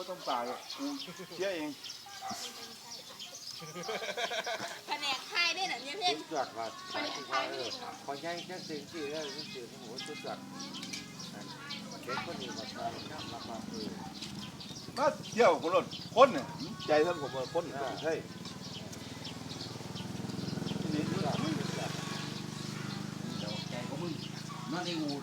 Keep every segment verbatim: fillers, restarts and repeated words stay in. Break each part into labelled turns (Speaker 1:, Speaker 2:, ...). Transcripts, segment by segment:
Speaker 1: ต้องตายกูเชี่ยเอง
Speaker 2: แผนกไทยได้เหรอเนี่ยเพื่อน
Speaker 3: จุดจัดว่าเออพอใหญ่แค่สิ่งที่แล้วสิ่งที่โอ้โหจุดจัดเด็กคนนี้มาทำน้ำมาเออ
Speaker 1: มาเที่ยวคนรถคนเนี่ยใจท่านผมว่าคนใช่นี่
Speaker 4: ใจของมึงนั่นไอ้งู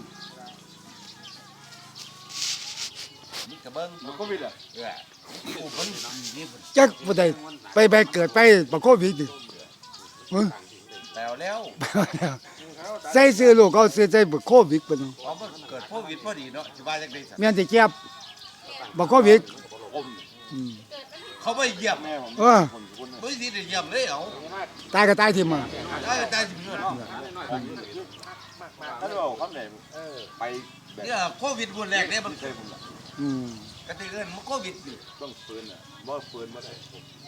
Speaker 4: นี่กระเบิ้ง
Speaker 1: มันก็วิดอ่ะ
Speaker 4: เออกูเพิ่นนี่เพิ่น
Speaker 5: จักบ่ได้ไปไปเกิดไปบ่โควิดดิมึง
Speaker 4: แล้วแล้ว
Speaker 5: ใส่ซื้อลูกเขาซื้อใส่บ่โควิดเพิ่น
Speaker 4: เพราะมันเกิดโควิดพอดีเนาะสิว่าจังได๋ซั่น
Speaker 5: แม่นสิเจ็บบ่โควิดอืม
Speaker 4: เขาไม่เยี่ยม
Speaker 1: แม่ผม
Speaker 5: เออ
Speaker 1: คนคน
Speaker 4: บ่สิได้เยี่ยมเลยเอา
Speaker 5: ตายก็ตายทิ่มอ่ะ
Speaker 4: ได้ได้สิเงิน
Speaker 1: ถ้าเราคำไหนไปแบบ
Speaker 4: เนี่ยโควิดวันแรกเนี่ยมัน
Speaker 1: ใช่ผม
Speaker 5: อืม
Speaker 4: กติเกินมันโควิดสิ
Speaker 1: ต้องปืนอ่ะบ่ปืนมาได้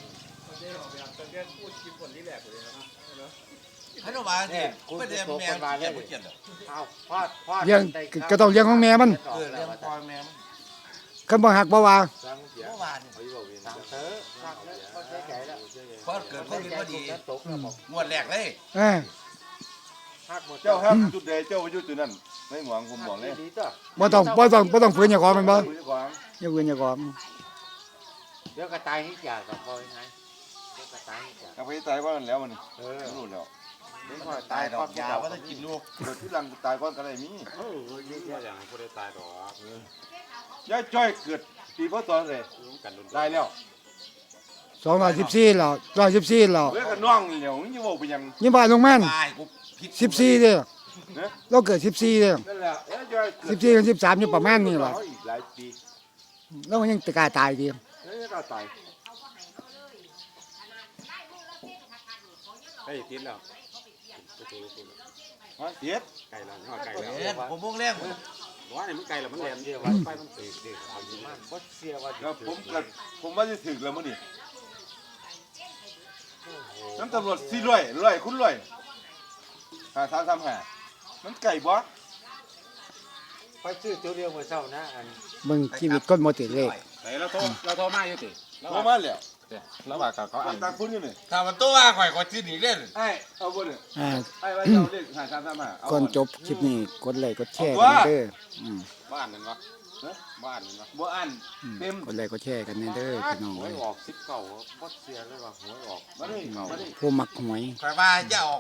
Speaker 4: ให้เราว่าสิไม่ได้แม่เกี่ยวบ่เกี่ยวดอก
Speaker 3: เอาพอดพอด
Speaker 5: เลี้ยงก็ต้องเลี้ยงของแม่มัน
Speaker 4: เออเรื่องพ่อแม่มัน
Speaker 5: คันบ่ฮักบ่ว่า
Speaker 3: สังเสีย
Speaker 4: เมื่อวานนี่
Speaker 3: สังเถอะสังแล้วพอใช้ใจแล้ว
Speaker 4: พอเกิดโควิดพอดี
Speaker 3: ตกแล้วบอก
Speaker 4: งวดแรกเลย
Speaker 5: เออ
Speaker 3: หักหมด
Speaker 1: เจ้าครับจุดใดเจ้าไปจุดจุดนั้นไม่หวังผมบอกเลย
Speaker 3: ดีต่อ
Speaker 5: บ่ต้องบ่ต้องบ่ต้องฝืนอย่าของมันบ่
Speaker 1: คุยกวาง
Speaker 5: อย่าฝืนอย่าของ
Speaker 3: เดี๋ยวกระต่ายนี่จ่ากับพอยังไงเดี๋ยวกระต่ายนี่จ่า
Speaker 1: เอาไปตายก่อนแล้วมัน
Speaker 3: เออ
Speaker 1: รู้แล้ว
Speaker 3: เดี๋ยวพอ
Speaker 4: ตา
Speaker 3: ตาย ย
Speaker 4: ดอกยาว่าจะกินลูก
Speaker 1: เกิดที่หลังตายก่อนก็ได้มี
Speaker 3: เออเยอะแยะอย่างพอได้ตายดอก
Speaker 1: ยายจ้อยเกิดปีพศเลยตายแล้ว
Speaker 5: สองร้อยสิบสี่แล้วร้อยสิบสี่แล้ว
Speaker 1: เว้ยก็น้องเหลียวนี่ว่าไปยัง
Speaker 5: ยี่บ้านลงแม่น
Speaker 4: ตายกูผิด
Speaker 5: สิบสี่เด้อ
Speaker 1: นะ
Speaker 5: เราเกิดสิบสี่เด้อ
Speaker 1: นั่นแหละยายจ้อย
Speaker 5: สิบสี่กับสิบสามอยู่ประมาณนี้ล่ะ
Speaker 1: อีกหลายปี
Speaker 5: แล้วมันยังตะกล้าตายดี
Speaker 1: ยายก็ตาย
Speaker 6: ไอ้ติดแล้ว
Speaker 1: ฮะเจ็ด
Speaker 6: ไก่แล้วไก่แล้ว
Speaker 4: เอ็ดผมวงแรก
Speaker 6: ว่าเนี่ยมันไก่แล้วมันแหลม
Speaker 3: เดี๋ยววันไปมันตีตีเอาอยู่มากบ่เสียว่า
Speaker 1: แล้วผมเกิดผมว่าจะถึงแล้วมื้อนี้น้ำตำรวจสี่ร้อยร้อยคุณร้อยหาสามสามห้ามันไก่บ่
Speaker 3: ไปซื้อตัวเดียวเมื่อเช้านะอัน
Speaker 5: มึงชีวิตคนบ่ติดเลข
Speaker 6: ไหนเราโทรเราโทรมาอยู่ติ
Speaker 1: โทรมาแล้ว
Speaker 6: แล้วว่าเขาอ่าน
Speaker 1: ตามคุณอยู่นี่
Speaker 4: ถ้ามันตัวว่าข่อยก็ซื้อหนีเล่น
Speaker 1: ไอ้เอาบ่เนี่ย
Speaker 5: อ่า
Speaker 1: ไอ้ว่าเจ้าเลขหาสามสามห้าเอา
Speaker 5: ก่อนจบคลิปนี้กดไลค์กดแชร์กันเด้ออืม
Speaker 6: บ้านนั่นวะบ้านนั่นวะ
Speaker 1: บ่อ่าน
Speaker 5: อืม
Speaker 1: เต็ม
Speaker 5: กดไลค์กดแชร์กันเด้อพี่น้อง
Speaker 3: หว
Speaker 5: เอ้
Speaker 3: ย
Speaker 5: ย
Speaker 3: ออกสิบเก้าบ่เสียเลยว่าหวยออก
Speaker 1: มาดิมาดิ
Speaker 5: ผู้มักหวย
Speaker 4: ข่อยว่าจะออก